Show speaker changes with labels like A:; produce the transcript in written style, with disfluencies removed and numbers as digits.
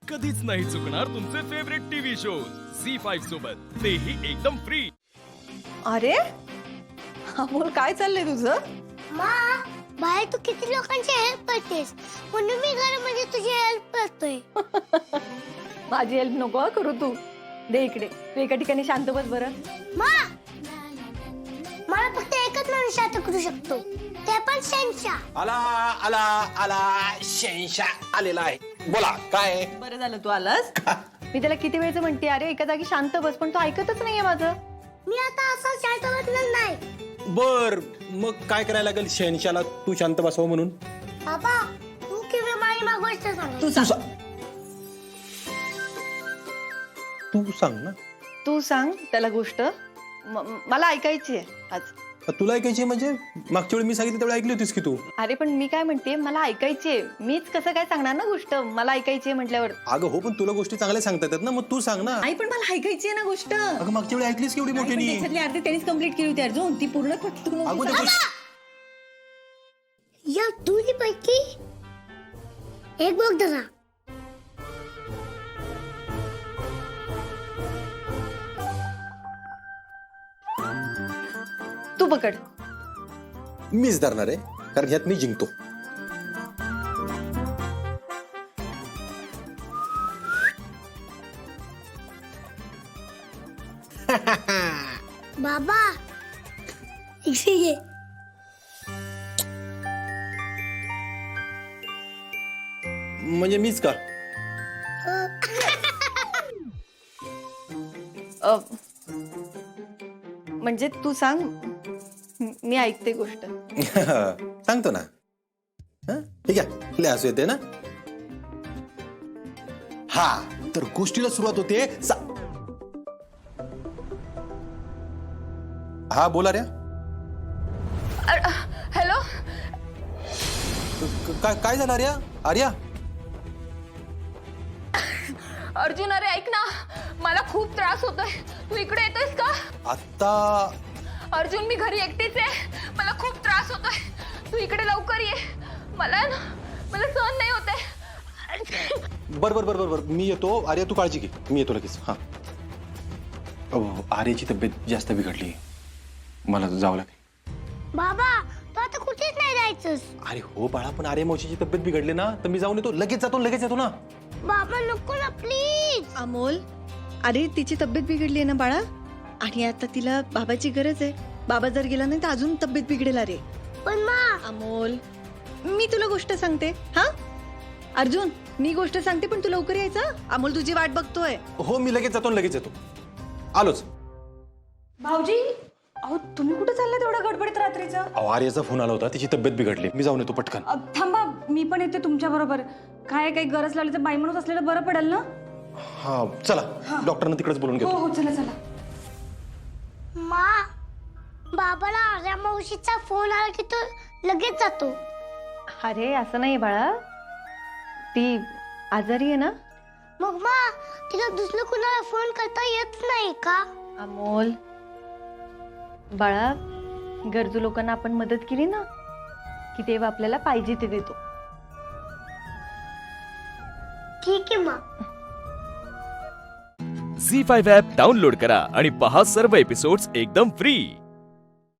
A: कधीच नाही चुकणार तुमचे फेवरेट टीव्ही शोज झी5 सोबत, तेही एकदम फ्री.
B: अरे अमोल, काय चाललंय तुझं?
C: मा, बाहेर तू किती लोकांची हेल्प करतेस, म्हणून मी घरामध्ये तुझी हेल्प करतोय.
B: माझी हेल्प नको हं करू तू. दे इकडे. तू एका ठिकाणी शांत बस बरं.
C: मा, मला फक्त एकच माणूस शांत करू शकतो, ते पण शहनशाह.
D: आला आला आला शहनशाह आलेला आहे. बोला काय?
B: बरं झालं तू आलास. मी त्याला किती वेळचं म्हणते, अरे एका जागी शांत बस, पण तो ऐकतच नाहीये माझं.
C: मी आता असं शांत बसणार नाही.
D: बर, मग काय करायला लागेल शहनशाहला तू शांत बसव म्हणून?
C: बाबा, तू किंवा माझी गोष्ट सांग.
B: तू सांग.
D: तू सांग ना.
B: तू सांग त्याला गोष्ट. मला ऐकायची आहे आज.
D: तुला ऐकायची म्हणजे मागच्या वेळी मी सांगितलं त्यावेळी ऐकली होतीस की तू?
B: अरे पण मी काय म्हणते, मला ऐकायची आहे. मीच कसं काय सांगणार ना गोष्ट, मला ऐकायची आहे म्हटल्यावर.
D: अगं हो, पण तुला गोष्टी चांगल्या सांगता येतात ना, मग तू सांग ना.
B: आई पण मला ऐकायची आहे ना गोष्ट.
D: अगं मागच्या वेळी ऐकलीस केवढी मोठ्यानी?
B: त्याच्यातली अर्धी त्यांनीच कंप्लीट केली होती अर्जुन, ती पूर्ण
D: अगं ते
C: या दोन्ही पैकी एक बघ जरा.
B: तू पकड.
D: मीच धरणार आहे, कारण ह्यात मी जिंकतो.
C: बाबा, इकडे ये.
D: म्हणजे मीच का?
B: म्हणजे तू सांग, मी ऐकते गोष्ट.
D: सांगतो ना. हं? ठीक आहे, लय हसू येते ना. हा, तर गोष्टीला सुरुवात होते. हा बोला रे.
B: हॅलो.
D: काय झालं आर्या? आर्या,
E: अर्जुन, अरे ऐक ना, मला खूप त्रास होतोय. तू इकडे येतोयस का?
D: आता
E: अर्जुन, मी घरी एकटीच आहे, मला खूप त्रास होतोय. तू इकडे लवकर ये. मला सहन नाही होतंय.
D: बर बर बर बर बर, मी येतो. आर्या तू काळजी घे, मी येतो लगेच. हा. आर्याची तब्येत जास्त बिघडली, मला जावं लागेल.
C: बाबा, तू आता कुठेच नाही जायचंस.
D: अरे हो बाळा, पण आर्या मावशीची तब्येत बिघडली ना, तर मी जाऊन येतो. लगेच येतो ना.
C: बाबा नको ना प्लीज.
B: अमोल, अरे तिची तब्येत बिघडली आहे ना बाळा, आणि आता तिला बाबाची गरज आहे. बाबा जर गेला नाही तर अजून तब्येत बिघडेल. अरे
C: पण मा,
B: अमोल, मी तुला गोष्ट सांगते. हा अर्जुन, मी गोष्ट सांगते, पण तू लवकर यायचं. अमोल तुझी वाट बघतोय.
D: हो, मी लगेच येतो. आलोच.
E: भाऊजी, अहो तुम्ही कुठे चाललाय तेवढ्या गडबडीत रात्रीचं?
D: आर्याचा फोन आला होता, तिची तब्येत बिघडली, मी जाऊन येतो पटकन.
E: थांबा, मी पण येते तुमच्या बरोबर. काय काही गरज लागली तर बाई माणूस असलेलं बरं पडेल ना.
D: हा चला, डॉक्टरना तिकडेच बोलून घेतो.
E: हो, चला.
C: मा, बाबाला आर्या मावशीचा फोन आला की तो लगेच जातो.
B: अरे असं नाही बाळा, ती आजारी आहे ना.
C: मग मा, तिला दुसरं कुणाला फोन करता येत नाही का?
B: अमोल बाळा, गरजू लोकांना आपण मदत केली ना, की तेव्हा आपल्याला पाहिजे ते देतो.
C: ठीक आहे मा.
A: झी5 ॲप डाउनलोड करा आणि पहा सर्व एपिसोड्स एकदम फ्री.